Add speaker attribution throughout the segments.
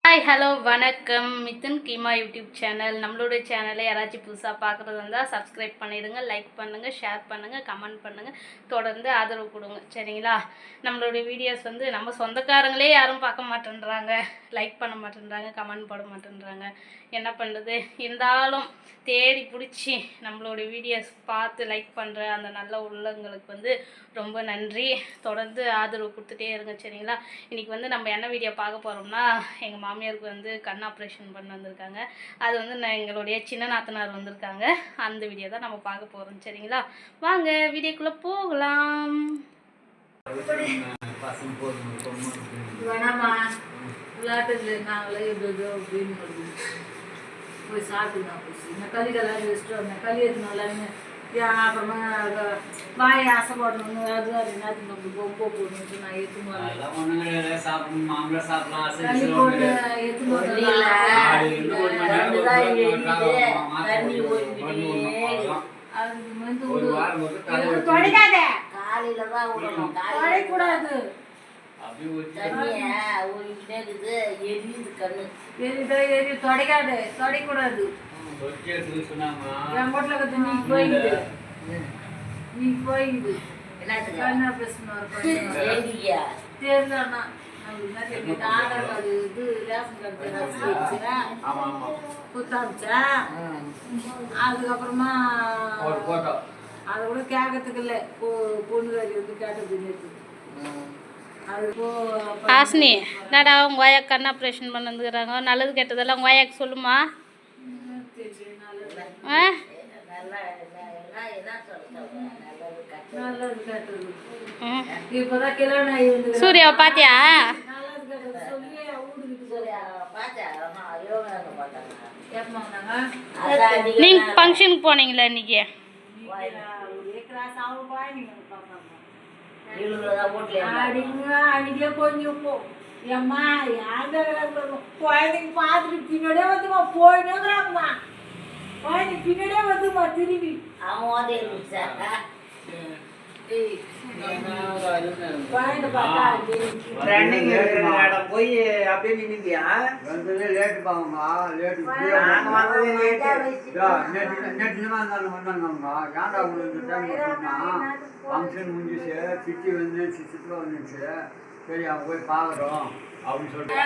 Speaker 1: Hi hello வணக்கம். Mithun Keema YouTube channel. நம்மளுடைய சேனலை யாராச்சும் புதுசாக பார்க்குறது இருந்தால் சப்ஸ்கிரைப் பண்ணிடுங்க, லைக் பண்ணுங்கள், ஷேர் பண்ணுங்கள், கமெண்ட் பண்ணுங்கள், தொடர்ந்து ஆதரவு கொடுங்க. சரிங்களா? நம்மளுடைய வீடியோஸ் நம்ம சொந்தக்காரங்களே யாரும் பார்க்க மாட்டேன்றாங்க, லைக் பண்ண மாட்டேன்றாங்க, கமெண்ட் போட மாட்டேன்றாங்க. என்ன பண்ணுறது? இருந்தாலும் தேடி பிடிச்சி நம்மளுடைய வீடியோஸ் பார்த்து லைக் பண்ணுற அந்த நல்ல உள்ளங்களுக்கு ரொம்ப நன்றி. தொடர்ந்து ஆதரவு கொடுத்துட்டே இருங்க. சரிங்களா? இன்றைக்கி நம்ம என்ன வீடியோ பார்க்க போகிறோம்னா, எங்கள் மாமியாருக்கு கண் ஆப்ரேஷன் பண்ண வந்திருக்காங்க. அது எங்களுடைய சின்ன நாத்தனார் வந்திருக்காங்க. அந்த வீடியோ தான் நம்ம பார்க்க போகிறோம். சரிங்களா? வாங்க வீடியோக்குள்ளே போகலாம்.
Speaker 2: வேணாமா விளையாட்டு நாங்களே அப்படின்னு போய் சாப்பிட்டுங்க. போச்சு களிக்கெல்லாம் வச்சுட்டு வந்தேன். களி எடுத்துனால அப்புறமா வாய் ஆசைப்படணும்னு அது என்னத்துக்கு நம்ம பொம்பை போடணும்னு நான் எடுத்துன்னு களி போட்டு எடுத்துன்னு அதுக்கு தொடைக்காத, காலையில தான் விடணும், தொடைக்கூடாது. தொடைக்காது, தொடைக்கூடாது. என் வீட்டுல கத்து நீ போயிடுது, நீ போயிடுது. என்ன பேசணும் தெரியலன்னா ஆதார் கார்டு இது ரேஷன் கார்டு குத்தாமிச்சா. அதுக்கப்புறமா அதை கூட கேட்கறதுக்கு இல்லை. பொண்ணுகாரி கேட்டது
Speaker 1: ஹாசினி, என்னடா உங்கள் வாயாக்கு கண் ஆப்ரேஷன் பண்ண வந்துக்கிறாங்க. நல்லது கெட்டதெல்லாம் உங்கள் வாயாக்கு சொல்லுமா? சூர்யாவை பாத்தியா? நீங்க ஃபங்க்ஷனுக்கு போனீங்களா இன்னைக்கு?
Speaker 2: அன்னைக்கே கொஞ்சம் ஏம்மா குழந்தைங்க பார்த்துட்டு பின்னாடியே வந்துமா போயிடுங்கிறாங்கம்மா. குழந்தைங்க பின்னாடியே வந்துமா திரும்பி
Speaker 3: போய் அப்படியே நின்னுட்டியா? லேட்டு பாவங்க, லேட்டு வந்தாங்க. ஏன்டா உங்களுக்கு டைம் ஃபங்க்ஷன் முடிஞ்சிச்சு, சித்தி சித்திரா வந்துச்சு. சரி அவங்க போய் பார்க்குறோம் அப்படின்னு சொல்லிட்டு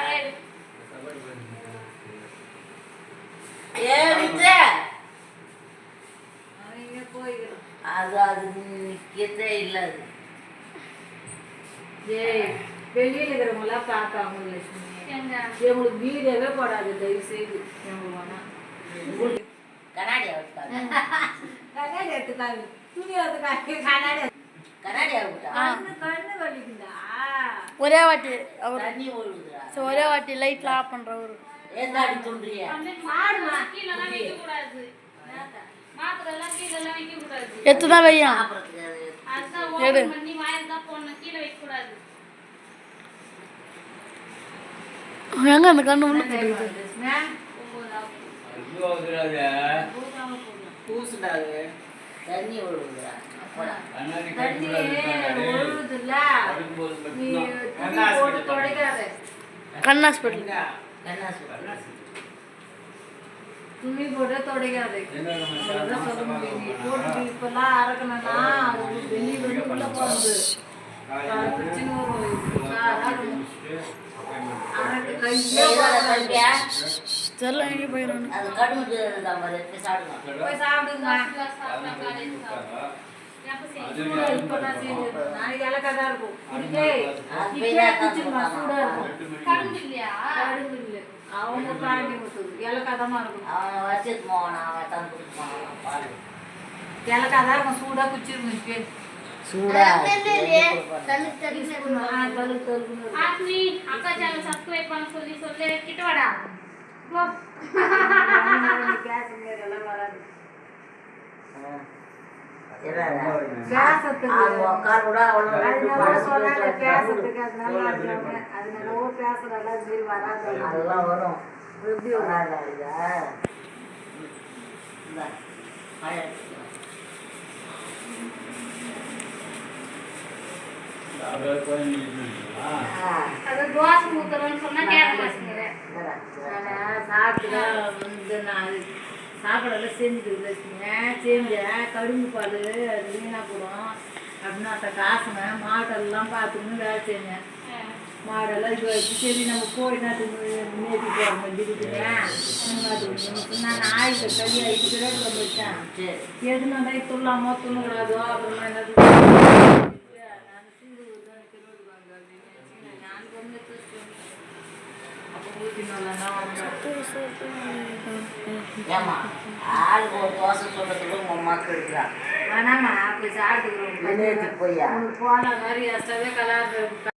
Speaker 2: இல்லை. வெளியில இருக்கிறவங்களாம் பார்ப்பாங்க. எங்களுக்கு வீடியோவே போடாது தயவு செய்து. கண்ணாடி எடுத்துக்காது, துணி எடுத்துக்காது, கண்ணாடி கண்ணு வலிக்குதா?
Speaker 1: ஒரே வாட்டி ஒரே வாட்டி லைட்லாம் ஆஃப் பண்றவரு எத்துதான் வையும். எங்க அந்த கண்ணு உள்ள
Speaker 2: தண்ணி
Speaker 1: கண் ஹாஸ்பிட்டல்
Speaker 2: துணி போட்டு தொடைக்காது. இப்பெல்லாம் அறக்கணும்னா வெளியே உள்ள போறது நாளைக்கு இலக்காதான் இருக்கும். அவங்க பாண்டி கொடுத்தது இலக்காதமா இருக்கும். இலக்காதான் இருக்கும். சூடா குச்சிருங்க.
Speaker 1: அது தோசை ஊத்துறோம்னு சொன்னா கேட்க மாட்டேங்குது.
Speaker 2: சாப்பிட்டு வந்து நான் சாப்பாடெல்லாம் செஞ்சுட்டு வச்சுருந்தேன். செஞ்சேன் கடுங்கு பால் அது வீணாக போடும் அப்படின்னு அந்த காசுங்க மாடெல்லாம் பார்த்துக்கணும் வேலை செஞ்சேன். மாடெல்லாம் இது வச்சு சரி நம்ம கோழி நாட்டு நேற்று போகிற மாதிரி இருக்குதுங்க. நான் ஆயிட்டு களி ஆகிட்டு ரேட்டில் வந்துட்டேன். எதுனா தான் துள்ளாமல் துண்ணக்கூடாதோ அப்புறமா என்னது நான் சீடு நான் வந்து அப்போ ஊற்றினாலன்னா
Speaker 4: ஏமா ஆளுக்கு ஒரு தோசை சொல்றதுக்கு உங்க அம்மாக்கு இருக்கிறா
Speaker 2: வேணாம்மா போய் சாப்பிட்டுக்கிறோம்.
Speaker 4: போய்யா
Speaker 2: போன மாதிரி எஸ்டாவே கலாறு